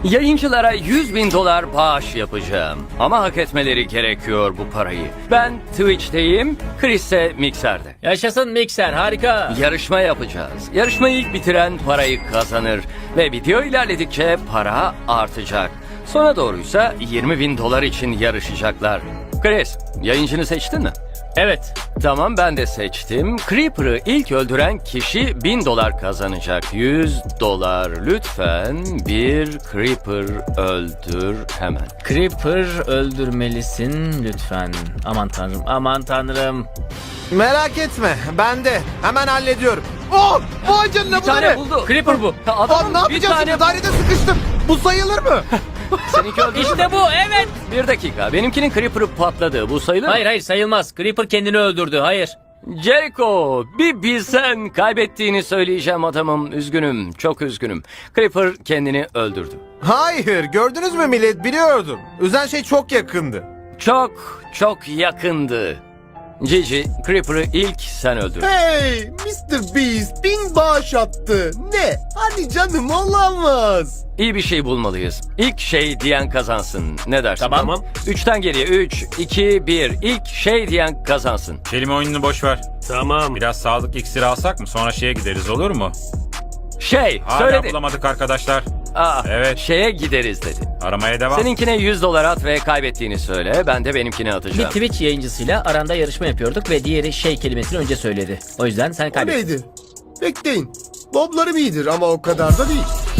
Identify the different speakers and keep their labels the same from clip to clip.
Speaker 1: Yayıncılara 100.000 dolar bağış yapacağım. Ama hak etmeleri gerekiyor bu parayı. Ben Twitch'teyim, Chris ise Mixer'de.
Speaker 2: Yaşasın Mikser, harika.
Speaker 1: Yarışma yapacağız. Yarışmayı ilk bitiren parayı kazanır. Ve video ilerledikçe para artacak. Sona doğruysa 20.000 dolar için yarışacaklar. Chris, yayıncını seçtin mi?
Speaker 2: Evet.
Speaker 1: Tamam, ben de seçtim. Creeper'ı ilk öldüren kişi 1000 dolar kazanacak. 100 dolar. Lütfen bir Creeper öldür hemen.
Speaker 2: Creeper öldürmelisin lütfen. Aman tanrım, aman tanrım.
Speaker 3: Merak etme, ben de. Hemen hallediyorum. Oh! Vay canına,
Speaker 1: Bir
Speaker 3: bu da
Speaker 1: tane
Speaker 3: ne?
Speaker 1: buldu.
Speaker 2: Creeper bu.
Speaker 1: Adamın
Speaker 3: Lan ne
Speaker 1: bir
Speaker 3: yapacağız
Speaker 1: tane
Speaker 3: şimdi? Dairede sıkıştım. Bu sayılır mı?
Speaker 1: Seninki öldü mü?
Speaker 2: İşte bu, evet.
Speaker 1: Bir dakika. Benimkinin Creeper'ı patladı. Bu sayılır mı?
Speaker 2: Hayır hayır sayılmaz. Creeper kendini öldürdü, hayır.
Speaker 1: Jericho, bir bilsen kaybettiğini söyleyeceğim adamım. Üzgünüm, çok üzgünüm. Creeper kendini öldürdü.
Speaker 3: Hayır, gördünüz mü millet? Biliyordum. Üzen şey çok yakındı.
Speaker 1: Çok yakındı. Gigi, Creeper'ı ilk sen öldürdün.
Speaker 4: Hey Mr. Beast 1000 bağış attı. Ne? Hadi canım, olamaz.
Speaker 1: İyi bir şey bulmalıyız. İlk şey diyen kazansın. Ne dersin?
Speaker 2: Tamam.
Speaker 1: 3'ten geriye 3, 2, 1. İlk şey diyen kazansın.
Speaker 5: Kelime oyununu boş ver.
Speaker 6: Tamam.
Speaker 5: Biraz sağlık iksiri alsak mı? Sonra şeye gideriz, olur mu?
Speaker 1: Şey,
Speaker 5: Hala
Speaker 1: söyledi.
Speaker 5: bulamadık arkadaşlar.
Speaker 1: Evet. Şeye gideriz dedi.
Speaker 5: Aramaya devam.
Speaker 1: Seninkine 100 dolar at ve kaybettiğini söyle. Ben de benimkini
Speaker 2: Bir
Speaker 1: atacağım.
Speaker 2: Twitch yayıncısıyla aranda yarışma yapıyorduk ve diğeri şey kelimesini önce söyledi. O yüzden sen
Speaker 4: O
Speaker 2: kaybettin.
Speaker 4: neydi? Bekleyin. Boblarım iyidir ama o kadar da değil.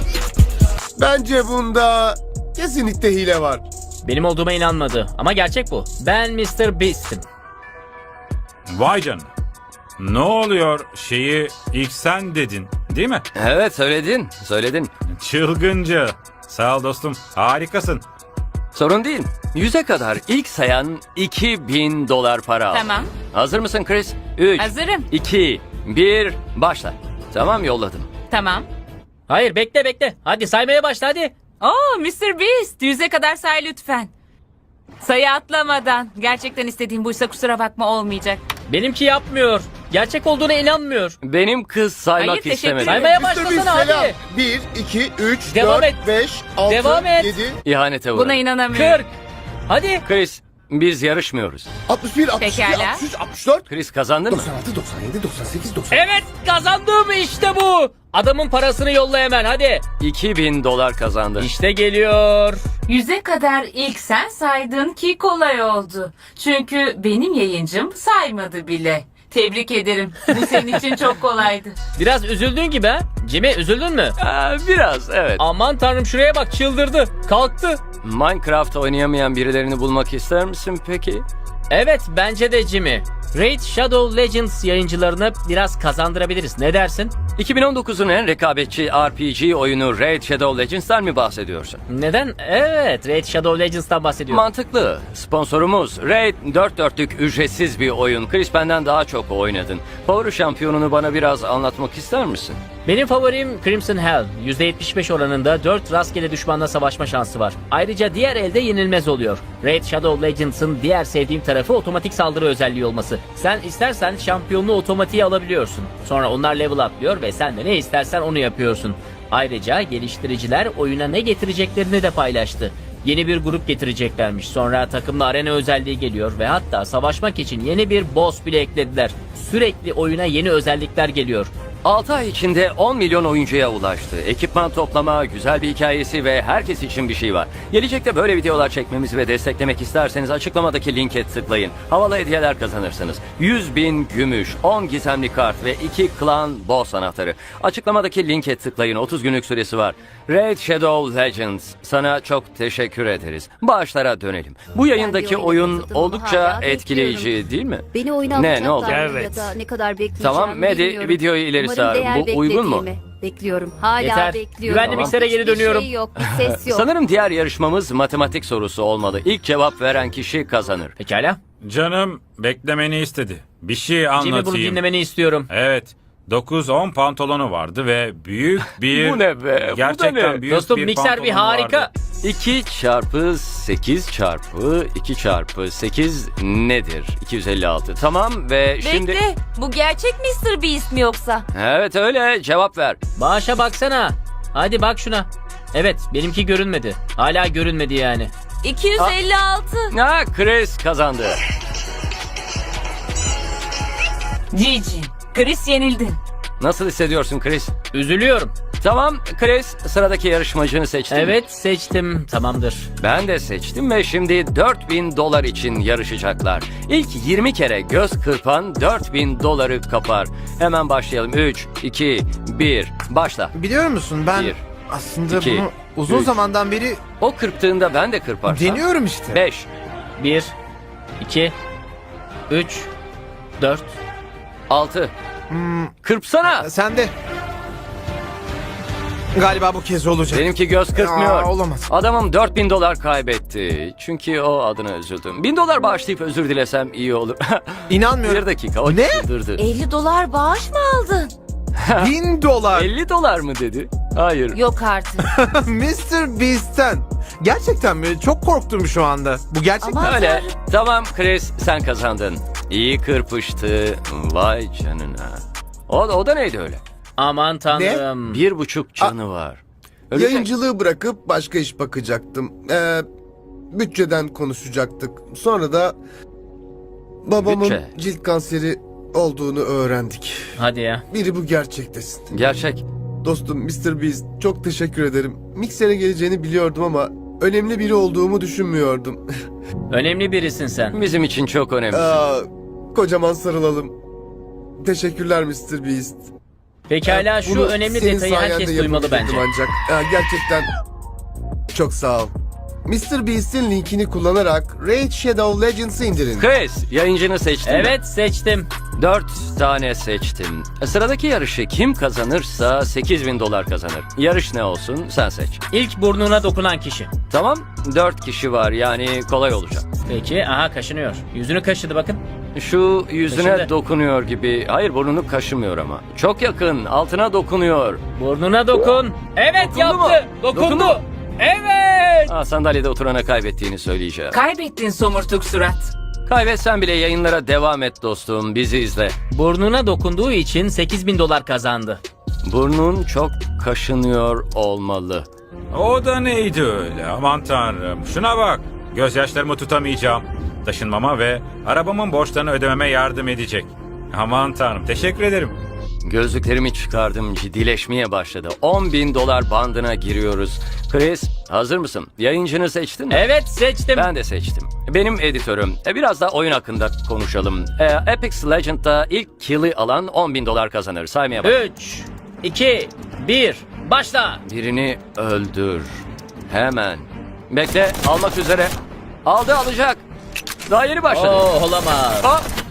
Speaker 4: Bence bunda kesinlikle hile var.
Speaker 2: Benim olduğuma inanmadı ama gerçek bu. Ben Mr. Beast'im.
Speaker 5: Vay canına. Ne oluyor? Şeyi ilk sen dedin, değil mi?
Speaker 1: Evet, söyledin.
Speaker 5: Çılgınca. Sağ ol dostum. Harikasın.
Speaker 1: Sorun değil. 100'e kadar ilk sayan 2000 dolar para al.
Speaker 7: Tamam.
Speaker 1: Hazır mısın Chris? 3,
Speaker 7: Hazırım.
Speaker 1: 2, 1, başla. Tamam, yolladım.
Speaker 7: Tamam.
Speaker 2: Hayır bekle. Hadi saymaya başla hadi.
Speaker 7: Oo Mr. Beast 100'e kadar say lütfen. Sayı atlamadan. Gerçekten istediğim buysa kusura bakma, olmayacak.
Speaker 2: Benimki yapmıyor. Gerçek olduğuna inanmıyor.
Speaker 1: Benim kız saymak
Speaker 7: Hayır, teşekkür
Speaker 1: istemedi.
Speaker 7: ederim.
Speaker 2: Saymaya
Speaker 4: Mr. Beast
Speaker 2: başlasana
Speaker 4: selam.
Speaker 2: hadi.
Speaker 4: 1, 2, 3,
Speaker 2: Devam
Speaker 4: 4,
Speaker 2: et.
Speaker 4: 5, 6,
Speaker 2: Devam et.
Speaker 4: 7,
Speaker 1: İhanete
Speaker 7: Buna
Speaker 1: uğradım.
Speaker 7: inanamıyorum.
Speaker 2: 40. Hadi.
Speaker 1: Chris, biz yarışmıyoruz.
Speaker 4: 61, 62,
Speaker 7: Pekala.
Speaker 4: 63, 64,
Speaker 1: Chris kazandın mı?
Speaker 4: 96, 97, 98, 99.
Speaker 2: Evet kazandım işte bu. Adamın parasını yolla hemen hadi.
Speaker 1: 2000 dolar kazandın.
Speaker 2: İşte geliyor.
Speaker 7: 100'e kadar ilk sen saydın ki kolay oldu. Çünkü benim yayıncım saymadı bile. Tebrik ederim. Bu senin için çok kolaydı.
Speaker 2: Biraz üzüldün gibi ha. Jimmy üzüldün mü?
Speaker 1: Biraz, evet.
Speaker 2: Aman tanrım şuraya bak, çıldırdı. Kalktı.
Speaker 1: Minecraft oynayamayan birilerini bulmak ister misin peki?
Speaker 2: Evet bence de Jimmy. Raid Shadow Legends yayıncılarını biraz kazandırabiliriz. Ne dersin?
Speaker 1: 2019'un en rekabetçi RPG oyunu Raid Shadow Legends'tan mı bahsediyorsun?
Speaker 2: Neden? Evet, Raid Shadow Legends'tan bahsediyorum.
Speaker 1: Mantıklı. Sponsorumuz Raid 4 dörtlük ücretsiz bir oyun. Chris benden daha çok oynadın. Favori şampiyonunu bana biraz anlatmak ister misin?
Speaker 2: Benim favorim Crimson Hell. %75 oranında 4 rastgele düşmanla savaşma şansı var. Ayrıca diğer elde yenilmez oluyor. Raid Shadow Legends'ın diğer sevdiğim tarafı otomatik saldırı özelliği olması. Sen istersen şampiyonluğu otomatiğe alabiliyorsun. Sonra onlar level atlıyor ve sen de ne istersen onu yapıyorsun. Ayrıca geliştiriciler oyuna ne getireceklerini de paylaştı. Yeni bir grup getireceklermiş. Sonra takımla arena özelliği geliyor ve hatta savaşmak için yeni bir boss bile eklediler. Sürekli oyuna yeni özellikler geliyor.
Speaker 1: 6 ay içinde 10 milyon oyuncuya ulaştı. Ekipman toplama, güzel bir hikayesi ve herkes için bir şey var. Gelecekte böyle videolar çekmemizi ve desteklemek isterseniz açıklamadaki linke tıklayın. Havalı hediyeler kazanırsınız. 100.000 gümüş, 10 gizemli kart ve 2 klan boss anahtarı. Açıklamadaki linke tıklayın. 30 günlük süresi var. Raid Shadow Legends, sana çok teşekkür ederiz. Bağışlara dönelim. Bu yayındaki oyun oldukça etkileyici değil mi?
Speaker 8: Beni oyuna
Speaker 1: Ne oldu?
Speaker 8: alacaklar
Speaker 6: Evet.
Speaker 8: ya da ne kadar bekleyeceğim
Speaker 1: Tamam, Medi,
Speaker 8: bilmiyorum.
Speaker 1: videoyu ileri
Speaker 8: Umarım
Speaker 1: sar.
Speaker 8: değer
Speaker 1: Bu uygun mu?
Speaker 8: beklediğimi Bekliyorum. Hala
Speaker 2: Yeter.
Speaker 8: bekliyorum.
Speaker 2: Güvenli miksere geri
Speaker 8: Hiçbir
Speaker 2: dönüyorum.
Speaker 8: Şey yok, bir ses yok.
Speaker 1: Sanırım diğer yarışmamız matematik sorusu olmalı. İlk cevap veren kişi kazanır.
Speaker 2: Pekala.
Speaker 5: Canım beklemeni istedi. Bir şey
Speaker 2: Jimmy bunu
Speaker 5: anlatayım.
Speaker 2: dinlemeni istiyorum.
Speaker 5: Evet. 9 10 pantolonu vardı ve büyük
Speaker 1: Bu ne be? Bu da
Speaker 5: Gerçekten
Speaker 1: ne?
Speaker 5: büyük
Speaker 2: Dostum
Speaker 5: bir
Speaker 2: mikser bir
Speaker 5: pantolonu
Speaker 2: harika.
Speaker 5: vardı.
Speaker 1: 2 çarpı 8 çarpı 2 çarpı 8 nedir? 256. Tamam ve şimdi...
Speaker 7: Bekle. Bu gerçek Mr. Beast mi yoksa?
Speaker 1: Evet öyle, cevap ver.
Speaker 2: Bağışa baksana. Hadi bak şuna. Evet, benimki görünmedi. Hala görünmedi yani.
Speaker 7: 256.
Speaker 1: Ha, Chris kazandı.
Speaker 7: Gigi. Chris yenildi.
Speaker 1: Nasıl hissediyorsun Chris?
Speaker 2: Üzülüyorum.
Speaker 1: Tamam Chris, sıradaki yarışmacını seçtin.
Speaker 2: Evet, seçtim. Tamamdır.
Speaker 1: Ben de seçtim ve şimdi $4000 için yarışacaklar. İlk 20 kere göz kırpan $4000 kapar. Hemen başlayalım. 3, 2, 1, başla.
Speaker 3: Biliyor musun ben
Speaker 1: Bir,
Speaker 3: aslında
Speaker 1: iki,
Speaker 3: bunu uzun
Speaker 1: üç.
Speaker 3: zamandan beri
Speaker 1: O kırptığında ben de kırparsam.
Speaker 3: deniyorum işte.
Speaker 1: 5,
Speaker 2: 1, 2, 3, 4.
Speaker 1: 6. Kırpsana.
Speaker 3: Sen de. Galiba bu kez olacak.
Speaker 1: Benimki göz kırpmıyor.
Speaker 3: Aa, olamaz.
Speaker 1: Adamım $4000 kaybetti. Çünkü o adına üzüldüm. $1000 bağışlayıp özür dilesem iyi olur.
Speaker 3: İnanmıyorum.
Speaker 1: Bir dakika, o
Speaker 3: Ne?
Speaker 1: çıldırdı.
Speaker 7: $50 bağış mı aldın?
Speaker 3: $1000.
Speaker 1: $50 mı dedi? Hayır.
Speaker 7: Yok artık.
Speaker 3: Mr. Beast'ten. Gerçekten mi? Çok korktum şu anda. Bu gerçek mi?
Speaker 7: Ama-
Speaker 1: Öyle.
Speaker 7: Tanrım.
Speaker 1: Tamam Chris, sen kazandın. İyi kırpıştı. Vay canına. O da neydi öyle?
Speaker 2: Aman tanrım.
Speaker 1: 1,5 canı var. Ölecek.
Speaker 4: Yayıncılığı bırakıp başka iş bakacaktım. Bütçeden konuşacaktık. Sonra da babamın
Speaker 1: Bütçe.
Speaker 4: cilt kanseri olduğunu öğrendik.
Speaker 2: Hadi ya.
Speaker 4: Biri bu gerçektesin.
Speaker 1: Gerçek.
Speaker 4: Dostum Mr. Beast, çok teşekkür ederim. Mikser'e geleceğini biliyordum ama önemli biri olduğumu düşünmüyordum.
Speaker 2: Önemli birisin sen.
Speaker 1: Bizim için çok önemli.
Speaker 4: Kocaman sarılalım. Teşekkürler Mr. Beast.
Speaker 2: Pekala, şu
Speaker 4: Bunu
Speaker 2: önemli
Speaker 4: senin
Speaker 2: detayı herkes
Speaker 4: sayende
Speaker 2: duymalı bence.
Speaker 4: yapabilecektim ancak. Gerçekten çok sağ ol. Mr. Beast'in linkini kullanarak Raid Shadow Legends'ı indirin.
Speaker 1: Chris, yayıncını seçtin mi?
Speaker 2: Evet, seçtim.
Speaker 1: 4 tane seçtim. Sıradaki yarışı kim kazanırsa $8000 kazanır. Yarış ne olsun sen seç.
Speaker 2: İlk burnuna dokunan kişi.
Speaker 1: Tamam, 4 kişi var yani kolay olacak.
Speaker 2: Peki, aha kaşınıyor. Yüzünü kaşıdı bakın.
Speaker 1: Şu yüzüne
Speaker 2: Kaşındı.
Speaker 1: dokunuyor gibi. Hayır, burnunu kaşımıyor ama. Çok yakın, altına dokunuyor.
Speaker 2: Burnuna dokun. Evet,
Speaker 1: Dokundu
Speaker 2: yaptı.
Speaker 1: mu?
Speaker 2: Dokundu.
Speaker 1: Dokundu mu?
Speaker 2: Evet.
Speaker 1: Sandalyede oturana kaybettiğini söyleyeceğim.
Speaker 7: Kaybettin somurtuk surat.
Speaker 1: Kaybetsen bile yayınlara devam et dostum, bizi izle.
Speaker 2: Burnuna dokunduğu için $8000 kazandı.
Speaker 1: Burnun çok kaşınıyor olmalı.
Speaker 5: O da neydi öyle? Aman tanrım. Şuna bak. Gözyaşlarımı tutamayacağım. Taşınmama ve arabamın borçlarını ödememe yardım edecek. Aman tanrım. Teşekkür ederim.
Speaker 1: Gözlüklerimi çıkardım, ciddileşmeye başladı. $10.000 bandına giriyoruz. Chris, hazır mısın? Yayıncını seçtin mi?
Speaker 2: Evet, seçtim.
Speaker 1: Ben de seçtim. Benim editörüm. Biraz da oyun hakkında konuşalım. Apex Legends'da ilk kill'i alan $10.000 kazanır. Saymaya bak.
Speaker 2: 3, 2, 1, başla.
Speaker 1: Birini öldür. Hemen. Bekle, almak üzere. Aldı, alacak. Daha yeni başladı.
Speaker 2: Olamaz.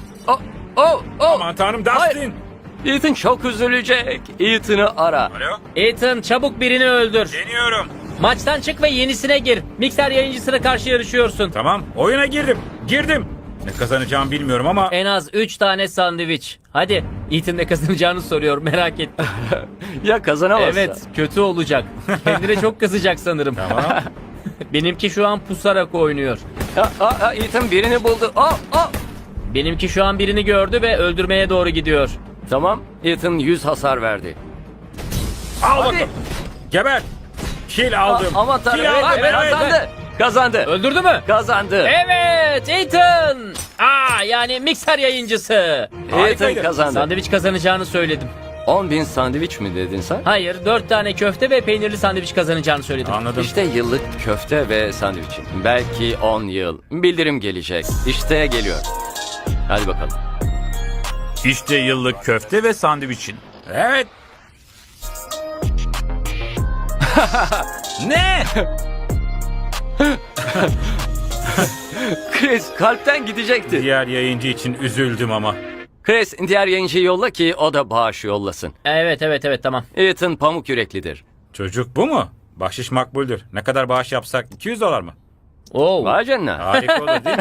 Speaker 1: Oh.
Speaker 5: Aman tanrım, Dustin.
Speaker 1: Ethan çok üzülecek. Ethan'ı ara.
Speaker 5: Alo.
Speaker 2: Ethan, çabuk birini öldür.
Speaker 5: Deniyorum.
Speaker 2: Maçtan çık ve yenisine gir. Mikser yayıncısına karşı yarışıyorsun.
Speaker 5: Tamam. Oyuna girdim. Girdim. Ne kazanacağımı bilmiyorum ama...
Speaker 2: En az 3 tane sandviç. Hadi. Ethan ne kazanacağını soruyor, merak ettim.
Speaker 1: Ya kazanamazsa?
Speaker 2: Evet, kötü olacak. Kendine çok kızacak sanırım.
Speaker 5: Tamam.
Speaker 2: Benimki şu an pusarak oynuyor.
Speaker 1: Ethan birini buldu.
Speaker 2: Benimki şu an birini gördü ve öldürmeye doğru gidiyor.
Speaker 1: Tamam. Ethan 100 hasar verdi.
Speaker 5: Al
Speaker 1: Hadi.
Speaker 5: bakalım. Geber. Kill aldım.
Speaker 1: Aman tanrım.
Speaker 5: Kill aldım.
Speaker 1: Evet. Kazandı.
Speaker 2: Öldürdü mü?
Speaker 1: Kazandı.
Speaker 2: Evet, Ethan. Yani mikser yayıncısı.
Speaker 1: Ethan
Speaker 5: Harikaydı.
Speaker 1: kazandı.
Speaker 2: Sandviç kazanacağını söyledim.
Speaker 1: 10.000 sandviç mi dedin sen?
Speaker 2: Hayır, 4 tane köfte ve peynirli sandviç kazanacağını söyledim.
Speaker 5: Anladım.
Speaker 1: İşte yıllık köfte ve sandviç. Belki 10 yıl. Bildirim gelecek. İşte geliyor. Hadi bakalım.
Speaker 5: İşte yıllık köfte ve sandviçin. Evet. Ne?
Speaker 1: Chris kalpten gidecekti.
Speaker 5: Diğer yayıncı için üzüldüm ama.
Speaker 1: Chris diğer yayıncıyı yolla ki o da bağış yollasın.
Speaker 2: Evet, tamam.
Speaker 1: Ethan pamuk yüreklidir.
Speaker 5: Çocuk bu mu? Bahşiş makbuldür. Ne kadar bağış yapsak $200 mı?
Speaker 2: Oo.
Speaker 1: Vay canına.
Speaker 5: Harika olur değil mi?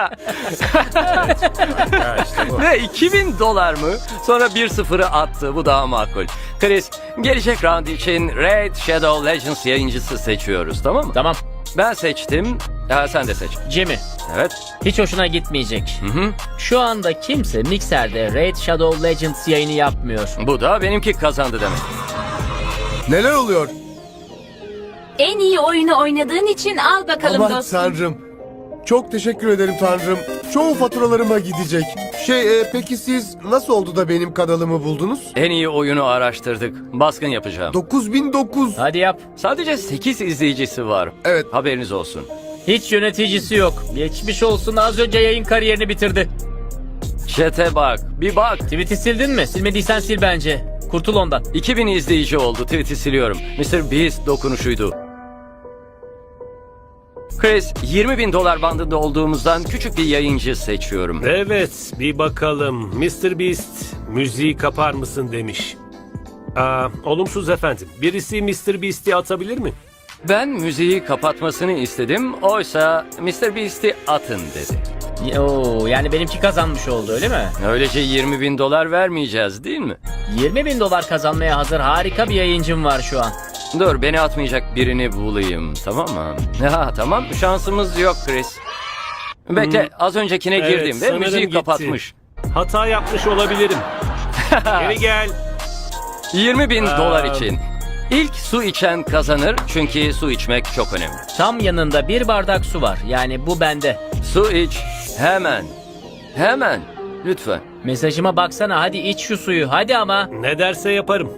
Speaker 5: Ya işte bu.
Speaker 1: Ne $2.000 mı? Sonra 1-0'ı attı. Bu daha makul. Chris, gelecek round için Raid Shadow Legends yayıncısı seçiyoruz, tamam mı?
Speaker 2: Tamam.
Speaker 1: Ben seçtim. Sen de seç.
Speaker 2: Jimmy,
Speaker 1: Evet.
Speaker 2: hiç hoşuna gitmeyecek.
Speaker 1: Hı.
Speaker 2: Şu anda kimse Mixer'de Raid Shadow Legends yayını yapmıyor.
Speaker 1: Bu da benimki kazandı demek.
Speaker 4: Neler oluyor?
Speaker 7: En iyi oyunu oynadığın için al bakalım
Speaker 4: Aman
Speaker 7: dostum.
Speaker 4: tanrım. Çok teşekkür ederim tanrım. Çoğu faturalarıma gidecek. Peki siz nasıl oldu da benim kanalımı buldunuz?
Speaker 1: En iyi oyunu araştırdık. Baskın yapacağım.
Speaker 4: 9009.
Speaker 2: Hadi yap.
Speaker 1: Sadece 8 izleyicisi var.
Speaker 4: Evet.
Speaker 1: Haberiniz olsun.
Speaker 2: Hiç yöneticisi yok. Geçmiş olsun, az önce yayın kariyerini bitirdi.
Speaker 1: Chat'e bak. Bir bak.
Speaker 2: Tweet'i sildin mi? Silmediysen sil bence. Kurtul ondan.
Speaker 1: 2000 izleyici oldu. Tweet'i siliyorum. Mr. Beast dokunuşuydu. Chris, 20.000 dolar bandında olduğumuzdan küçük bir yayıncı seçiyorum.
Speaker 6: Evet, bir bakalım. Mr. Beast, müziği kapar mısın demiş. Olumsuz efendim. Birisi Mr. Beast'i atabilir mi?
Speaker 1: Ben müziği kapatmasını istedim. Oysa Mr. Beast'i atın dedi.
Speaker 2: Oo, yani benimki kazanmış oldu öyle mi?
Speaker 1: Öylece 20.000 dolar vermeyeceğiz değil mi?
Speaker 2: 20.000 dolar kazanmaya hazır harika bir yayıncım var şu an.
Speaker 1: Dur, beni atmayacak birini bulayım, tamam mı? Ha, tamam, şansımız yok Chris. Bekle, az öncekine
Speaker 6: Evet,
Speaker 1: girdim ve
Speaker 6: sanırım
Speaker 1: müziği
Speaker 6: gitti.
Speaker 1: kapatmış.
Speaker 6: Hata yapmış olabilirim. Geri gel.
Speaker 1: 20.000 dolar için. İlk su içen kazanır çünkü su içmek çok önemli.
Speaker 2: Tam yanında bir bardak su var. Yani bu bende.
Speaker 1: Su iç, hemen. Hemen, lütfen.
Speaker 2: Mesajıma baksana, hadi iç şu suyu hadi ama.
Speaker 6: Ne derse yaparım.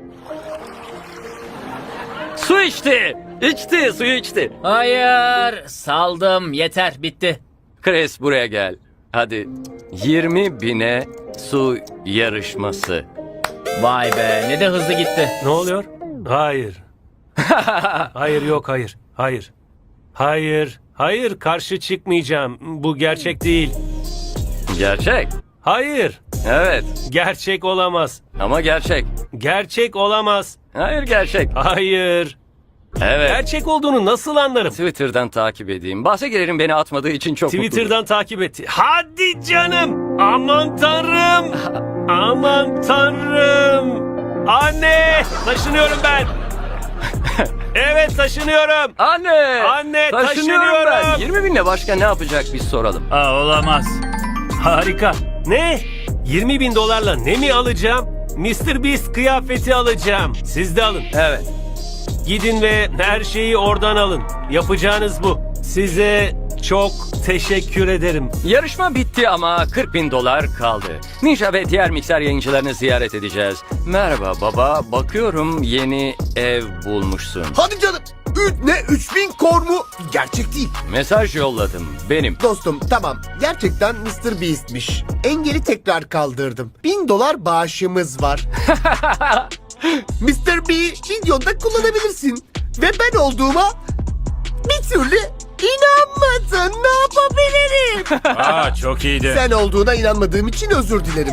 Speaker 1: Su içti, içti, suyu içti.
Speaker 2: Hayır, saldım, yeter, bitti.
Speaker 1: Chris, buraya gel. Hadi, 20.000'e su yarışması.
Speaker 2: Vay be, ne de hızlı gitti.
Speaker 6: Ne oluyor? Hayır. Hayır, yok, hayır. Hayır. Hayır. Hayır, karşı çıkmayacağım. Bu gerçek değil.
Speaker 1: Gerçek.
Speaker 6: Hayır.
Speaker 1: Evet,
Speaker 6: Gerçek olamaz.
Speaker 1: ama gerçek.
Speaker 6: Gerçek olamaz.
Speaker 1: Hayır, gerçek.
Speaker 6: Hayır.
Speaker 1: Evet.
Speaker 6: Gerçek olduğunu nasıl anlarım?
Speaker 1: Twitter'dan takip edeyim. Bahse girerim, beni atmadığı için çok mutluyum.
Speaker 6: Twitter'dan takip etti. Hadi canım. Aman tanrım. Aman tanrım. Anne, taşınıyorum ben. Evet, taşınıyorum.
Speaker 1: Anne!
Speaker 6: Anne,
Speaker 1: Taşınıyorum ben.
Speaker 6: taşınıyorum.
Speaker 1: 20.000'le başka ne yapacak biz soralım.
Speaker 6: Olamaz. Harika. Ne? 20.000 dolarla ne mi alacağım? Mr. Beast kıyafeti alacağım. Siz de alın.
Speaker 1: Evet.
Speaker 6: Gidin ve her şeyi oradan alın. Yapacağınız bu. Size çok teşekkür ederim.
Speaker 1: Yarışma bitti ama 40.000 dolar kaldı. Ninja ve diğer mikser yayıncılarını ziyaret edeceğiz. Merhaba baba, bakıyorum yeni ev bulmuşsun.
Speaker 4: Hadi canım. Ne 3000 kor mu? Gerçek değil.
Speaker 1: Mesaj yolladım, benim.
Speaker 4: Dostum tamam. Gerçekten Mr. Beast'miş. Engeli tekrar kaldırdım. 1000 dolar bağışımız var. Mr. B videonda kullanabilirsin. Ve ben olduğuma bir türlü inanmadın. Ne yapabilirim?
Speaker 5: Çok iyiydi.
Speaker 4: Sen olduğuna inanmadığım için özür dilerim.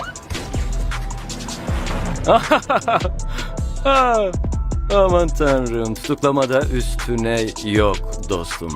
Speaker 1: Ah, aman tanrım, tutuklamada üstüne yok dostum.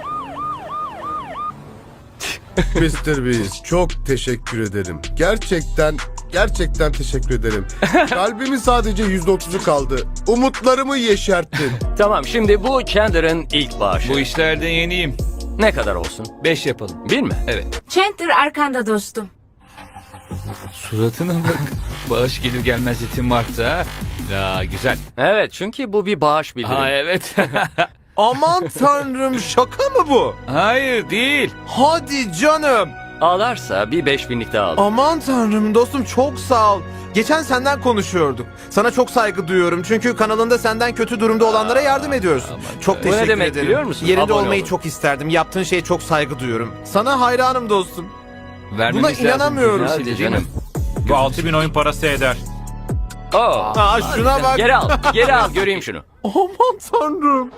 Speaker 4: Mr. Beast çok teşekkür ederim. Gerçekten teşekkür ederim. Kalbimin sadece %30'u kaldı. Umutlarımı yeşerttin.
Speaker 1: Tamam, şimdi bu Chandler'ın ilk bağışı.
Speaker 9: Bu işlerde yeniyim.
Speaker 1: Ne kadar olsun?
Speaker 9: 5 yapalım.
Speaker 1: 1 mi?
Speaker 9: Evet.
Speaker 7: Chandler arkanda dostum.
Speaker 9: Suratına bak. Bağış gelir gelmez yetim varsa ha. Ya güzel.
Speaker 1: Evet, çünkü bu bir bağış bildiri.
Speaker 9: Ha evet.
Speaker 3: Aman tanrım, şaka mı bu?
Speaker 9: Hayır değil.
Speaker 3: Hadi canım.
Speaker 1: Ağlarsa bir 5.000'lik daha al.
Speaker 3: Aman tanrım dostum, çok sağ ol. Geçen senden konuşuyorduk. Sana çok saygı duyuyorum çünkü kanalında senden kötü durumda olanlara yardım ediyorsun. Çok
Speaker 1: Bu ne
Speaker 3: teşekkür
Speaker 1: demek
Speaker 3: ederim.
Speaker 1: biliyor musun?
Speaker 3: Yerinde
Speaker 1: Abone
Speaker 3: olmayı
Speaker 1: olun.
Speaker 3: çok isterdim. Yaptığın şeye çok saygı duyuyorum. Sana hayranım dostum.
Speaker 9: Vermemiz
Speaker 3: Buna
Speaker 9: lazım.
Speaker 3: inanamıyorum.
Speaker 9: Güzel
Speaker 1: Hadi
Speaker 9: değil
Speaker 1: canım.
Speaker 9: mi?
Speaker 5: Bu 6.000 oyun parası eder.
Speaker 1: Aa,
Speaker 3: Şuna bak.
Speaker 1: geri al, geri al, göreyim şunu.
Speaker 3: Aman tanrım.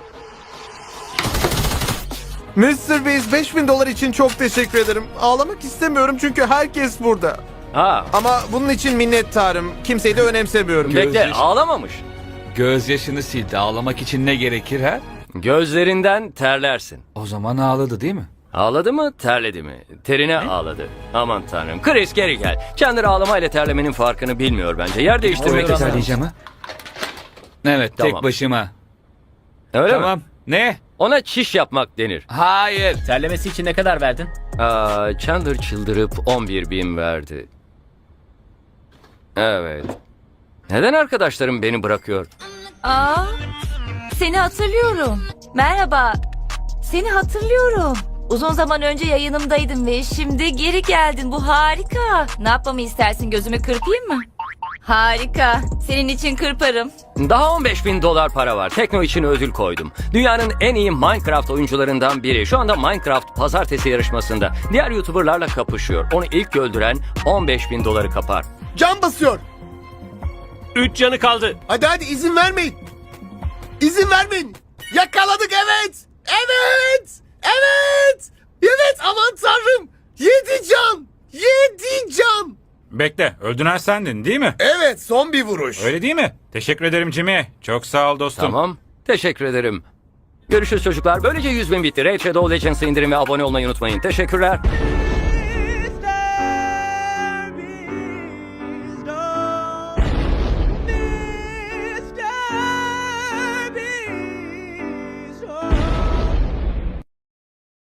Speaker 3: Mr. Beast 5000 dolar için çok teşekkür ederim. Ağlamak istemiyorum çünkü herkes burada.
Speaker 1: Ha,
Speaker 3: Ama bunun için minnettarım. Kimseyi de önemsemiyorum.
Speaker 1: bekle, ağlamamış.
Speaker 9: Gözyaşını sildi. Ağlamak için ne gerekir ha?
Speaker 1: Gözlerinden terlersin.
Speaker 9: O zaman ağladı değil mi?
Speaker 1: Ağladı mı, terledi mi? Terine ağladı. Aman tanrım. Chris, geri gel. Chandler ağlamayla terlemenin farkını bilmiyor bence. Yer değiştirmek
Speaker 2: Oluyor
Speaker 1: ister.
Speaker 2: ama.
Speaker 9: Terleyeceğim ha? Evet
Speaker 1: Tamam.
Speaker 9: tek başıma.
Speaker 1: Öyle mi?
Speaker 9: Tamam. Ne?
Speaker 1: Ona çiş yapmak denir.
Speaker 9: Hayır.
Speaker 2: Terlemesi için ne kadar verdin?
Speaker 1: Chandler çıldırıp 11.000 verdi. Evet. Neden arkadaşlarım beni bırakıyor?
Speaker 8: Aa,
Speaker 10: Seni hatırlıyorum. Merhaba. Seni hatırlıyorum. Uzun zaman önce yayınımdaydın ve şimdi geri geldin. Bu harika. Ne yapmamı istersin? Gözümü kırpayım mı? Harika. Senin için kırparım.
Speaker 1: Daha $15.000 para var. Tekno için ödül koydum. Dünyanın en iyi Minecraft oyuncularından biri. Şu anda Minecraft pazartesi yarışmasında. Diğer YouTuber'larla kapışıyor. Onu ilk öldüren $15.000 kapar.
Speaker 4: Can basıyor.
Speaker 6: 3 canı kaldı.
Speaker 4: Hadi izin vermeyin. İzin vermeyin. Yakaladık evet. Evet. Evet. Evet aman tanrım. 7 can. 7 can.
Speaker 5: Bekle, öldüren sendin değil mi?
Speaker 4: Evet son bir vuruş.
Speaker 5: Öyle değil mi? Teşekkür ederim Jimmy. Çok sağ ol dostum.
Speaker 1: Tamam. Teşekkür ederim. Görüşürüz çocuklar. Böylece 100.000 bitti. Raid Shadow Legends'ı indirin ve abone olmayı unutmayın. Teşekkürler.